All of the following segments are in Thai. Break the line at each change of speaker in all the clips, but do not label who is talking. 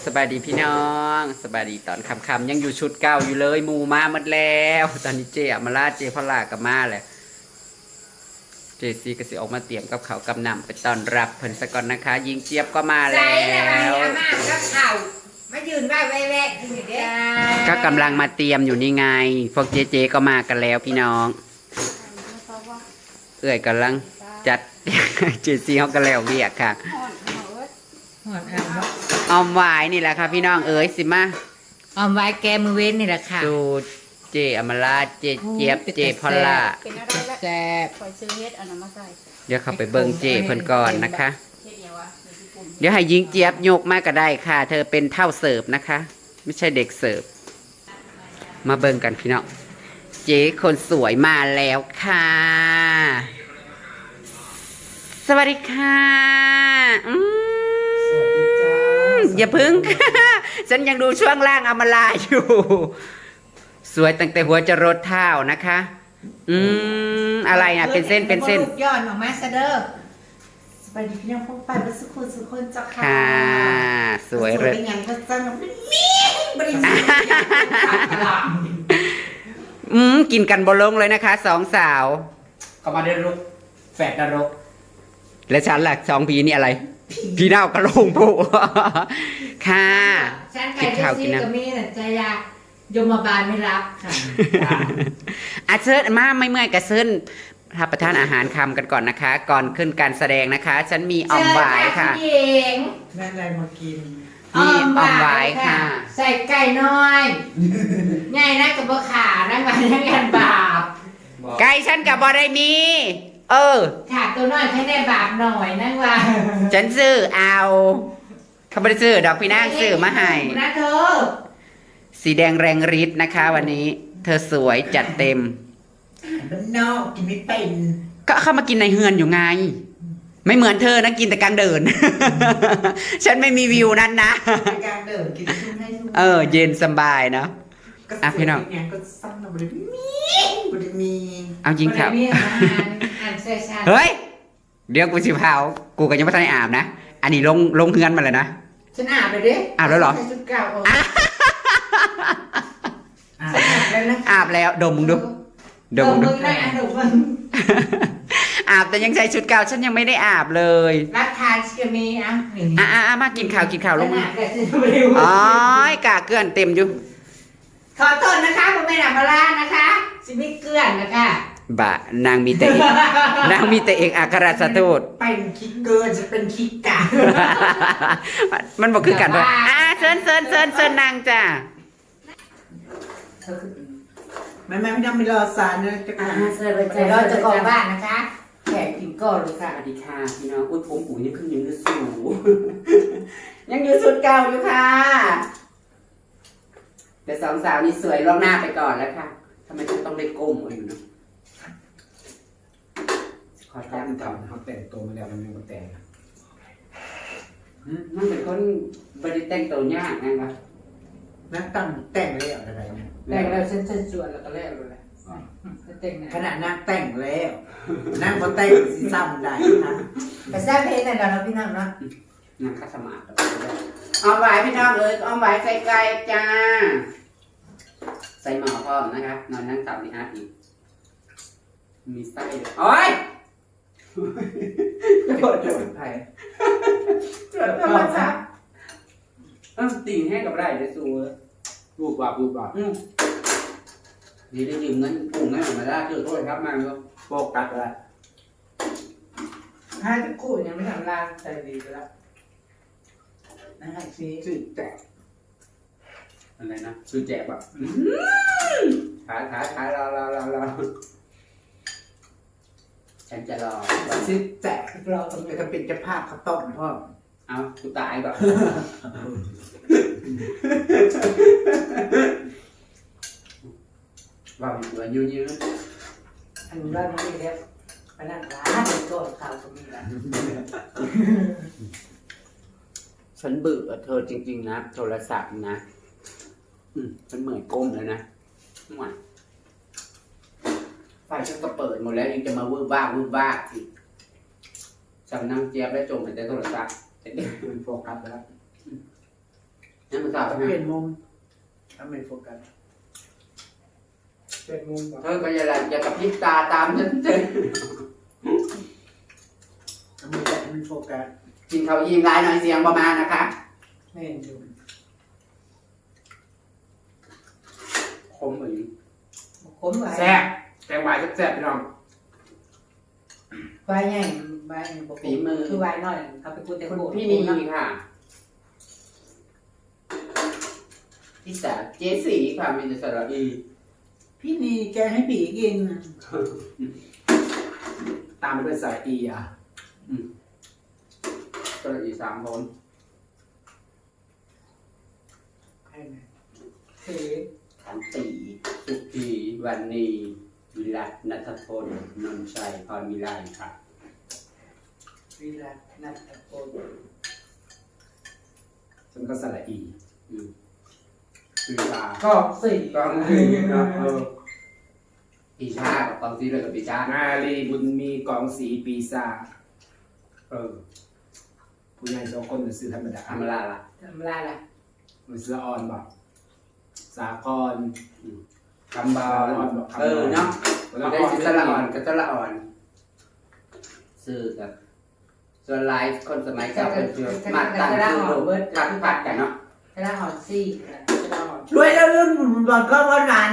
สบายดีพี่น้องสบายดีตอนคำยังอยู่ชุดเก่าอยู่เลยหมูมาหมดแล้วตอนนี้เจมาลาเจพลากับมาแหละเจซีก็สิออกมาเตรียมกับเขาวกับน้ำไปต้อนรับเพิ่นสะก่อนนะคะ ยิงเจี๊ยบก็มาแล้ว
มากับเข่ามายืนว่าแวะที่นี่เด้อ
ก็กำลังมาเตรียมอยู่นี่ไงพวกเจก็มากันแล้วพี่น้องเอื้อยกำลังจัด เจซีเขาก็แล้วเวียกค่ะออมหวายนี่แหละค่ะพี่น้องเอ๋ยสิมา
ออมไว้แกมือเว้นนี่แหละค่ะ
ดูเจอมราเจเจี๊ยบเจพอลล่า
แซ่บ
คอยซื้อเฮ็ดอันนั้นมาใส่
เดี๋ยวเข้าไปเบิ่งเจเพิ่นก่อนนะคะเดี๋ยวให้ยิงเจี๊ยบยกมาก็ได้ค่ะเธอเป็นเท่าเสิร์ฟนะคะไม่ใช่เด็กเสิร์ฟมาเบิ่งกันพี่น้องเจคนสวยมาแล้วค่ะสวัสดีค่ะอย่าพึ่ง ฉันยังดูช่วงล่างอมลาอยู่ สวยตั้งแต่หัวจะรดเท้านะคะอะไรนะเป็นเส้นเป็นเส้น
ย้อนออกมาซะเด้อสบายดีพี่น้องพวกไปบัสกุลสุคนจ้าค่ะ
ค่ะสวยเลย
เป็นยังก็จังเป็นมีบริสุทธิ์
กินกันบนลงเลยนะคะสองสาวเขามาได้รุกแฝดนรกและฉันล่ะสองพีนี่อะไรพี่น้าวกระโลงผู้ค่ะ
กินข้าวกินน้ำมีแต่ใจยากยมบาลไม่รับค่ะ
อาเชิญมาไม่เมื่อยกระเซินรับประทานอาหารคำกันก่อนนะคะ ก่อนขึ้นการแสดงนะคะ ฉันมีอ่อมหวายค่ะ
แม่อะไรมากิน
มีอ่อมหวายค่ะ
ใส่ไก่น้อยง่ายนะกับบ่ขานั่งมานั่งกันบาป
ไก่ฉันกับบอได้มี
ขาตัวน้อยแค่ได้บาปหน่อยนั่งว่า
ฉันซื้อเอาเขาไม่ได้ซื้อดอกพี่นางซื้อมาให้
นะเธอ
สีแดงแรงฤทธิ์นะคะวันนี้เธอสวยจัดเต็ม
มันนอกกินไม่เป็น
ก็เข้ามากินในเฮือนอยู่ไงไม่เหมือนเธอนะกินแต่กลางเดิน ฉันไม่มีวิวนั้นนะ
กลางเดินกินชุ่มให้ชุ่
มเย็นสบายเนาะพี่น้อง
ก็ซ้ำเราบริมี
เอาจริงครับเฮ้ยเดี๋ยวกูสิพาวกูก็ยังไม่ทันได้อาบนะอันนี้ลงเฮือนมาเลยนะ
ฉันอาบเลยดิ
อาบแล้วเหรออาบแล้วดมมึงดู
ดมมึงได้ดมมึง
อาบแต่ยังใส่ชุดเก่าฉันยังไม่ได้อาบเลย
รักทานชิมี
มากินข่าวลงอ๋อกาเกลื่อนเต็มอยู่
ขอโทษนะคะผมไม่ได้มาล่านะคะชิมิเกลื่อนนะคะ
บะนางมีแต่เอกอัครราชทูต
เป็นคิดเกินจะเป็นคิดกะ
มันบอกคือกันว่าเซินนางจ้า
ไม่ต้องไปรอสารนะจะเซินไปรอจะกองบ้านนะคะแขกกินก่อนเลยค่ะ
สวัสดีค่ะพี่น้องอุ้ยผมปุ๋ยยังขึ้นยังอยู่สูงยังอยู่สุดเก่าอยู่ค่ะแต่สองสาวนี่สวยล่วงหน้าไปก่อนแล้วค่ะทำไมฉันต้องได้ก้มอยู่เนาะ
ขอจ้างทำเขาแต่งตัวมาแล้วมันยังมาแต่ง
มันเป็นคนบริแต่งตัวยากนะครับ
นั่งตั้งแต่งแล้วอะไรเนี่ย
แต่งแล้วฉันชวนแล้วก็แล้วเลยขนาดนั่งแต่งแล้วนั่งพอแต่งสีซ้ำได้นะแต่แซ่บเพลงแต่เราพี่น้องเนาะ
นั่งคัสมาร์ทเอาไว้พี่น้องเอาไว้ใส่ไก่จ้าใส่หม้อพร้อมนะครับนอนนั่งตับนี่อีกมีไส้ด้วยโอ้ยโดดไผ่ธรรมชาติตีให้กับไรได้สู
รูปบาป
นี่ได้ยืมเงินปุ่งให้ออกมาได้เจอโทษครับมาเลย
โฟกัสแล้ว
ให้ทุกคู่ยังไม่ทำลานใจดีไปแล้วนะฮะ
ชื่อแจก
อะไรนะชื่อแจกแบบขายรอฉันจะรอ
ชื่อแจกเราต้องไปเป็นเจ้าภาพข้าวต้มพ่อ
เอากูตายก่อนว่าอยู่ยืน
อันนี้ว่าไม่ได้ไปนั่งร้านโต๊ะข่าวก็มีแล้ว
ฉันเบื่อเธอจริงๆนะโทรศัพท์นะฉันเหมือนก้มเลยนะไฟฉันก็เปิดหมดแล้วยังจะมาวูบบ้าสิสั่งนั่งเจี๊ยบและจมไปแต่โทรศัพท์
มันโฟกัสไปแล้ว
นั่นมันสาว
เป
ใช่
ลี่ย
ไหม
นมุมทำเป็นโฟกัส
เป็นมุมก่อน
เธอก็อย่ากระพริบตาตามฉันเถอะ
ทำเป็นโฟกัส
กินข้าวอิ่มหลายหน่อยเสียงประมาณนะคะ
ไม่เห็นอยู่
คมเหมือน
ผมไว้
แซ่บแกงหวายแซ่บพี่น้อง
ใบใหญ่ใบปกติคือใบน้อยเขาไปกูแต่
คุณ
โก
พี่นีค่ะพี่สาวเจสีค่ะมีแต่สระอี
พี่นีแกให้ผีกิน
ตามมาด้วยสายอีอ่ะ
สระอี3 คน
ใครนะเส
ขันตีสุขีวันนีวิรัตนัทพลนนท์ชัยพรมิไลค่ะ
วิรัตนัทโก
ฉันก็สระอี
คือลา
ก็สี่
กองคือครับปีชากับกองซีเลยกับปีชา
นาลีบุญมีกองสีปีศาจ ผู้ใหญ่2 คนซื้อธรรมดา
ธรรมดาล่ะ
ทำลายล่ะ
มันซื้ออ่อนบอกสาคร
คำบอลเนาะ
แล้ว
ได้
อ่อน
สิสละอ่อนกับสละอ่อนซื้อกับส่วนไลฟ์คนสมัยเก่าเป็นเชื่อมาตั้งชื่อลูกพัดกันเนาะ
กระดาษห่อซี่กระดาษห่อ
ช่วยแล้วรุ่นบอลก็วันนั้น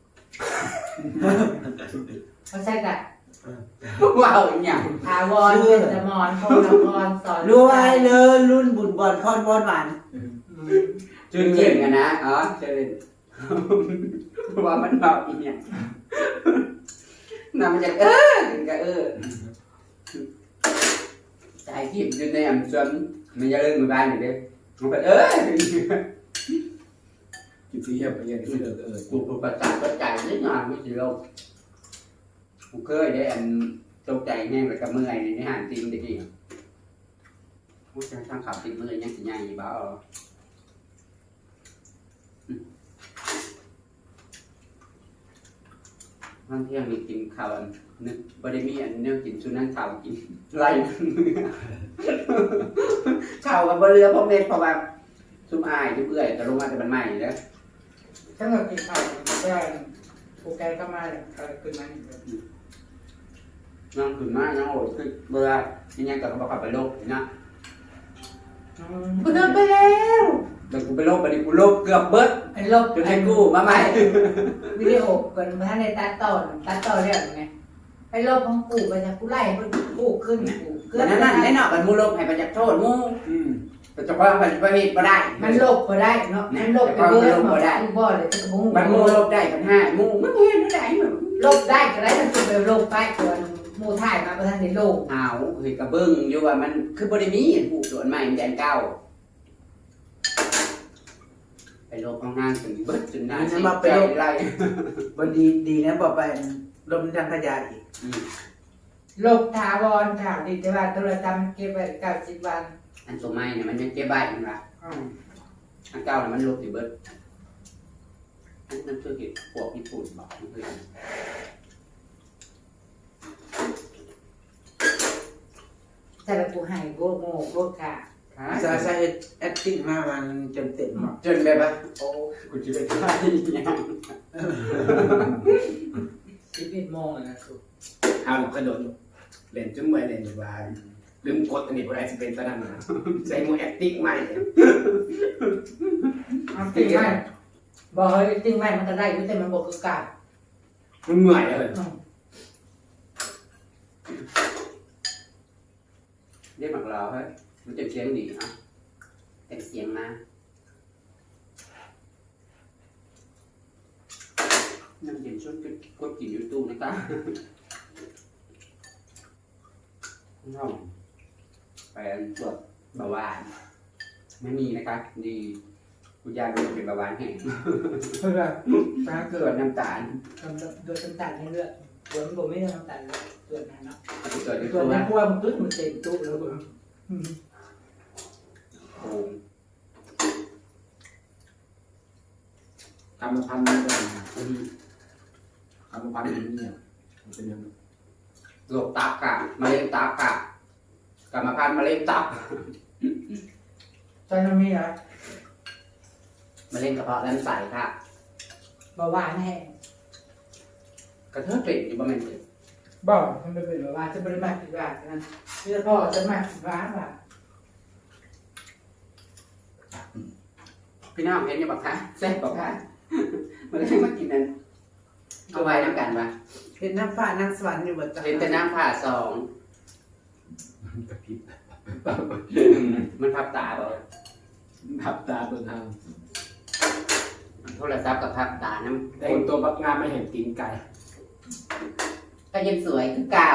เขาใช่กัน
ว้าวอย่าง
ทาวรเป็นสมรพงศ์พรสอน
รวยเลยรุ่นบุญบอลคอนบอลหวาน
จืดเก่งกันนะอ๋อเจริญว่ามันเบาอีเนี่ยน่ามันจะก็ใจทิพย์อยู่ในอ่ำจนมันจะเริ่มมือบ้านอยู่เด้มันก็
กินซีเฮียบไปเรียนซื้อ
กูประสาทประใจนิดหน่อยไม่สิโลกกูเคยได้อันตกใจแห้งแล้วก็เมื่อยในห้างจริงตะกี้กูจะทำขับติดมือยังสิใหญ่บ้าบางเที่ยงมีกินข้าวนึกบริมีอันเนื้อกินชุนั่งข้าวกินไรข้าวกับบเรือพวกเม็ดเพราะว่าซุ่มอายซุ่มเอื่อยแต่ลงมาแต่มันใหม่แล้ว
ถ้าเรากินข้าวก็โปรแกรมก็มาเลยขึ้นมา
น้องขึ้นมาน้องโอดคือเบื่อยังไงก็บอกขับไปโลกนะ
กูเดินไปแล้ว
แต่กูไปโลกไปดิกูโลกเกือบเบิด
ไอ้ลบ
จนให้กูมาใหม่
วิดีโอก่อนมาในตัดต่อเรื่องไงไอ้ลบของกูไปจากกูไล่กูขึ้นกูเกิ
นั่นนั่นแน่นอนมันมูโลกให้ประจักษ์โทษมูแต่จะว่ามันประเภทบ่ได้
มันลบก็ได้เนาะมันลบไปเบิร์ดมากูบ่เลยจะมู
มันมูโลกได้ปัญหามูมันเห็นไม่ได้เหมือน
ลบได้ก็ได้มันจะไปลบไปก่อนมูถ่ายมาประธานในโลก
เอาเฮ้ยกระเบิ้งอยู่ว่ามันคือบริมีผูกส่วนใหม่แดนเก้าไปโลกข้างล่างถึงเบิดจนนานใจไล่
วันดีนะบอกไปลมทางขยะอีก
ลบถาวรถาวดิจิวัลโทรศัพท์เก็บไว้90 วัน
อันตัวใหม่เนี่ยมันยังเก็บใบมันละอันเก้าเนี่ยมันลบสิเบิดอันนั้นคือเหตุพวกญี่ปุ่นบอกเพื่อน
แต่ละกูให้โกโง่โกกะ
ใช่แอคติ้งมามันเต็มๆ
จนแบบว่าโอ้กูจะไปทายยัง
11 โมงนะคือ
เอาหลับกระโดดเล่นจนเมื่อยเล่นอยู่บ้านลืมกดอันนี้พอได้จะเป็นตอนนั้นนะใส่มูแอคติ้งใหม่
จริงไหมบอกเฮ้ยจริงไหมมันก็ได้แต่มันบอกคือกาด
มันเมื่อยเลย
เรียกหมักรอเฮ้ยมันจะเสียงดีอ่ะแต่เสียงมาน้ำเย็นช่วยกดกินยูทูบนะครับน้องไปตรวจเบาหวานไม่มีนะคะดีคุณยายเป็นเบาหวานแห้ง
เพื่อตา
ต
เกิ
รว
ด
จน้ำตาล
โดยน้ำตาลในเลือดตัวมันบอกไม่ได้น้ำตาลตัวนั้นเนาะ
ตรวจยู
ตั
ทู
ว
บ
นั้
นะ
นเพราะว่ามันตุ้มันเต็มตู้แล้ว
โอ้
กรรมพันธุ์มันก็กรรมพันธุ์มันเนี่ยมันเป็นยังไง
โรคตับกะมะเร็งตับกะกรรมพันธุ์มะเร็งตับ
ตอนนั้นมีอะไร
มะเร็งกระเพาะลำไส้ค่ะ
เบาหวานแห้ง
กระเทาะเป็ดอยู่ประมาณนี้
บอกมันเป็นเบาหวานจะบริมากี่บาทนั้นเพื่อพ่อจะมากี่บาทบาท
พี่น้องเห็นยังบอกคะแซ่บบอกคะมันก็มากินนั้นเอาไว้น้ำกันปะ
เห็นน้ำฟ้าน้ำสวรรค์อยู่บนตา
เห็นแต่น้ำผ่าสอง
กระพริบ
มันพับตาบ่
พับตาตัวทาง
โทรศัพท์กับพับตาน้
แต่งตัวบักงามไม่เห็นตีนไก่
ำก็ยังสวยคือเก่า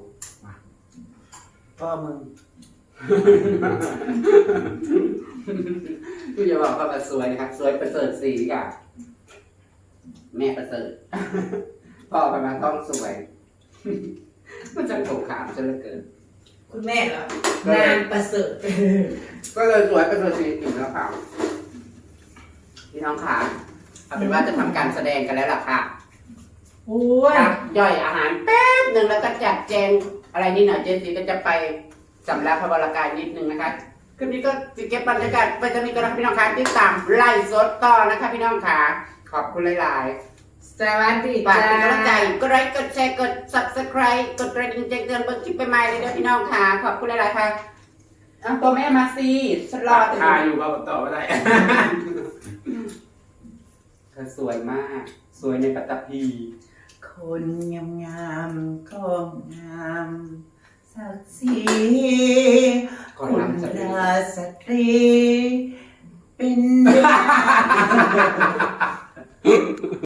พ่อมึง
พี่จะบอกว่ามันสวยนะครับ สวยประเสริฐสีกับแม่ประเสริฐ พ่อประมาณต้องสวย มันจะถูกขามซะเหลือเกิน
คุณแม่เหรอนางประเสริฐ
ก็เลยสวยประเสริฐสีถึงแล้วค่ะพี่น้องขาเอาเป็นว่าจะทำการแสดงกันแล้วล่ะค่ะ
โอ้ย
ครับย่อยอาหารแป๊บหนึ่งแล้วก็จัดแจงอะไรนิดหน่อยเจนซีก็จะไปสำรับพระวรากายนิดนึงนะคะคลิปนี้ก็จะเก็บบรรยากาศไปจะมีกระพี่น้องคะที่ตามไล่สดต่อนะคะพี่น้องขาขอบคุณหลายๆ
สวัสดี
ฝาก
จ้า
เป็นกำลังใจกดไลค์กดแชร์กด subscribe กดกระดิ่งแจ้งเตือนเบิ่งคลิปใหม่ๆเลยเด้อพี่น้องค่ะขอบคุณหลายๆค่ะเอาตัวแม่มาสิฉันรอ
ทาอยู่ว่าต่อไม่ได้
เธอสวยมาก สวยในปัตตภี
คนงามๆก็งามศักดิ์ศรี
ก่อน
คุณ
นำจะเป็น
ราสตรีเป็น